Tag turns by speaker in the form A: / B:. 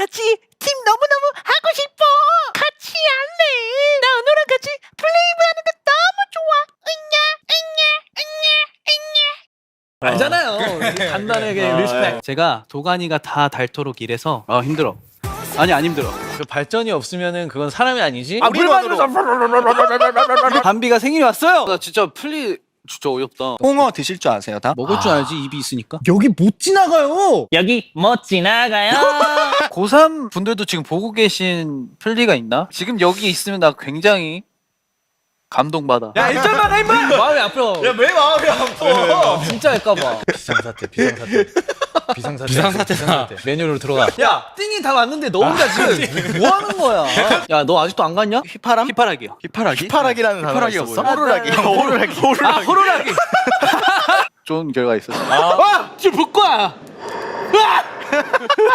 A: 같이 팀 너무너무 하고 싶어. 같이 할래. 나 은호랑 같이 플레이브 하는 거 너무 좋아.
B: 알잖아요. 간단하게 리스펙.
C: 제가 도가니가 다 닳도록 일해서 힘들어. 아니 안 힘들어.
B: 그 발전이 없으면은 그건 사람이 아니지.
C: 물 만들어서 담비가 생일이 왔어요. 나 진짜 플리 진짜 어이없다.
D: 홍어 드실 줄 아세요 다?
C: 먹을 줄 알지 입이 있으니까.
B: 여기 못 지나가요.
E: 여기 못 지나가요.
C: 고3 분들도 지금 보고 계신 플리가 있나? 지금 여기 있으면 나 굉장히 감동받아.
B: 야 일절 막아 임마. 마음이 아파.
D: 왜 마음이 아파?
B: 진짜 할까봐. 비상사태다. 메뉴로 들어가. 야 띵이 다 왔는데 너 혼자 지금 뭐 하는 거야? 야 너 아직도 안 갔냐?
D: 휘파람?
C: 휘파락이요.
D: 휘파라기? 휘파라기라는 단어가 있었어?
C: 호루라기.
D: 호루라기.
C: 아 호루라기. 좋은 결과 있었어. 와 지금 볼 거야.